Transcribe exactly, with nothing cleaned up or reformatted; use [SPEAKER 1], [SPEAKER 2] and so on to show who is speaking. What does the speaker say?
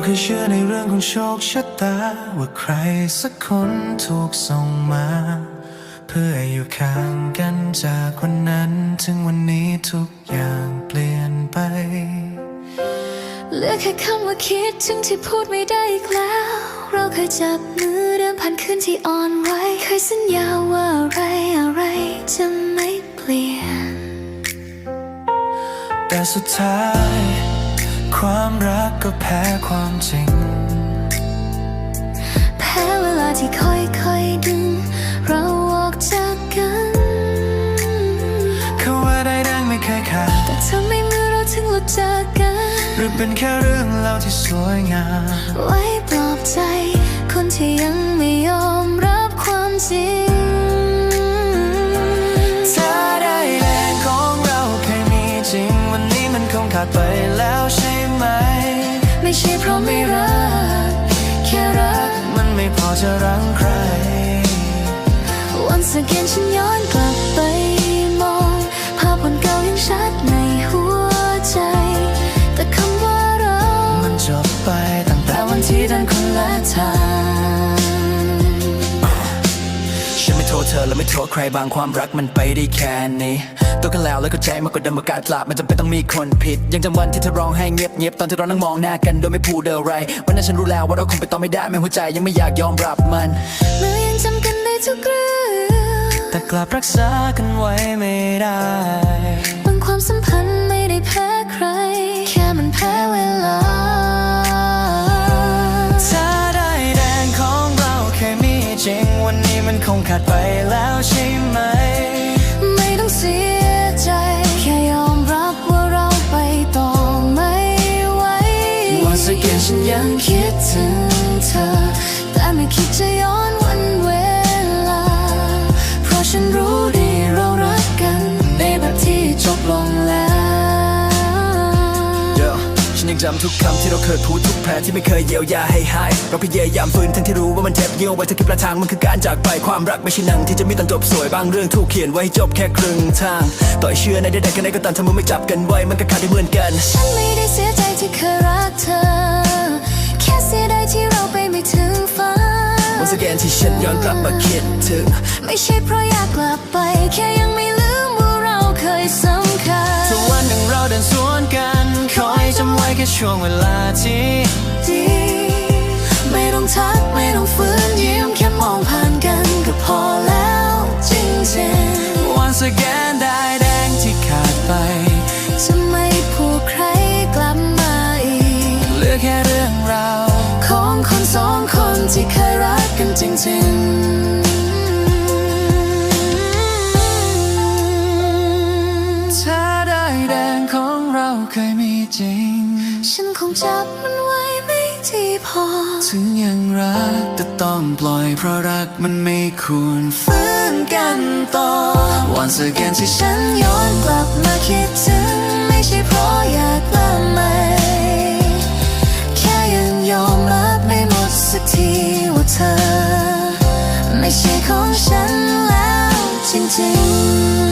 [SPEAKER 1] เคยเชื่อในเรื่องของโชคชะตาว่าใครสักคนถูกส่งมาเพื่ออยู่ข้างกันจากวันนั้นถึงวันนี้ทุกอย่างเปลี่ยนไป
[SPEAKER 2] เหลือแค่คำว่าคิดถึงที่พูดไม่ได้อีกแล้วเราเคยจับมือเดินผ่านคืนที่อ่อนไหวเคยสัญญาว่าอะไรอะไรจะไม่เปลี่ยน
[SPEAKER 1] แต่สุดท้ายความรักก็แพ้ความจริง
[SPEAKER 2] แพ้เวลาที่ค่อยๆดึงเราออกจากกัน
[SPEAKER 1] เขาว่าได้ดังไม่เคยขาด
[SPEAKER 2] แต่ทำไมเมื่อเราถึงหลุดจากกัน
[SPEAKER 1] หรือเป็นแค่เรื่องเล่าที่สวยงาม
[SPEAKER 2] ไว้ปลอบใจคนที่ยังไม่ยอมรับความจริง
[SPEAKER 1] ถ้าได้แรงของเราเคยมีจริงวันนี้มันคงขาดไปแล้วใช่ไหม
[SPEAKER 2] ไม่ใช่เพราะไม่รักแค่รัก
[SPEAKER 1] มันไม่พอจะรั้งใคร
[SPEAKER 2] Once again ฉันย้อนกลับไปมองภาพวันเก่ายังชัดในหัวใจแต่คำว่าเรา
[SPEAKER 1] มันจบไปตั้งแต่วันที่เดินคนละทางฉันไม่โทษเธอและไม่โทษใครบางความรักมันไปได้แค่นี้ตัวกันแล้วแล้วก็ใจมากกว่าเดิมประกาศกลับมันจำเป็นต้องมีคนผิดยังจำวันที่เธอร้องให้เงียบเงียบตอนที่เรานั่งมองหน้ากันโดยไม่พูดอะไรวันนั้นฉันรู้แล้วว่าเราคงไปต่อไม่ได้แม้หัวใจยังไม่อยากยอมรับมัน
[SPEAKER 2] เมื่อยังจำกันได้ทุกเรื่อง
[SPEAKER 1] แต่กลับรักษากันไว้ไม่ได้
[SPEAKER 2] บางความสัมพันธ์ไม่ได้แพ้ใครแค่มันแพ้เวลา
[SPEAKER 1] ถ้าได้แดงของเราเคยมีจริงวันนี้มันคงขาดไปแล้วใช่ไหม
[SPEAKER 2] ไม่ต้องเสียใจแค่ยอมรับว่าเราไปต่อไม่ไหว
[SPEAKER 1] Once again ฉันยังคิดถึงเธอ
[SPEAKER 2] แต่ไม่คิดจะย้อนวันเวลาเพราะฉันรู้ดีเรารักกันในแบบที่จบลงแล้ว
[SPEAKER 1] ฉันยังจำทุกคำที่เราเคยพูดทุกแผลที่ไม่เคยเยียวยาให้หายเราพยายามฝืนทั้งที่รู้ว่ามันเจ็บเยี่ยวไว้ทั้งที่ปลายทางมันคือการจากไปความรักไม่ใช่หนังที่จะมีตอนจบสวยบางเรื่องถูกเขียนไว้จบแค่ครึ่งทางต่อยเชื่อในใดๆกันไหนก็ตามถ้ามึงไม่จับกันไว้มันก็ขาดได้เหมือนกัน
[SPEAKER 2] ฉันไม่ได้เสียใจที่เคยรักเธอแค่เสียดายที่เราไปไม่ถึงฝัน
[SPEAKER 1] Once again ที่ฉันย้อนกลับมาคิดถึง
[SPEAKER 2] ไม่ใช่เพราะอยากกลับไปแค่ยังไม่ลืมว่าเราเคยสำคัญ
[SPEAKER 1] ถ้าวันหนึ่งเราเดินสวนกันขอให้จำไว้แค่ช่วงเวลาที่
[SPEAKER 2] ดีไม่ต้องทักไม่ต้องฝืนยิ้มแค่มองผ่านกันก็พอแล้วจริงๆ
[SPEAKER 1] Once again ได้แดงที่ขาดไป
[SPEAKER 2] จะไม่ผูกใครกลับมาอีก
[SPEAKER 1] เหลือแค่เรื่องราว
[SPEAKER 2] ของคนสองคนที่เคยรักกันจริง
[SPEAKER 1] ๆถ้าได้แดงของเราเคยมีจริง
[SPEAKER 2] ฉันคงจับมันไว้ไม่ที่พอ
[SPEAKER 1] ถึงยังรักแต่ต้องปล่อยเพราะรักมันไม่ควรฝืนกันต่อ Once again ที่
[SPEAKER 2] ฉันย้อนกลับมาคิดถึงไม่ใช่เพราะอยากกลับมาแค่ยังยอมรับไม่หมดสักทีว่าเธอไม่ใช่ของฉันแล้วจริงๆ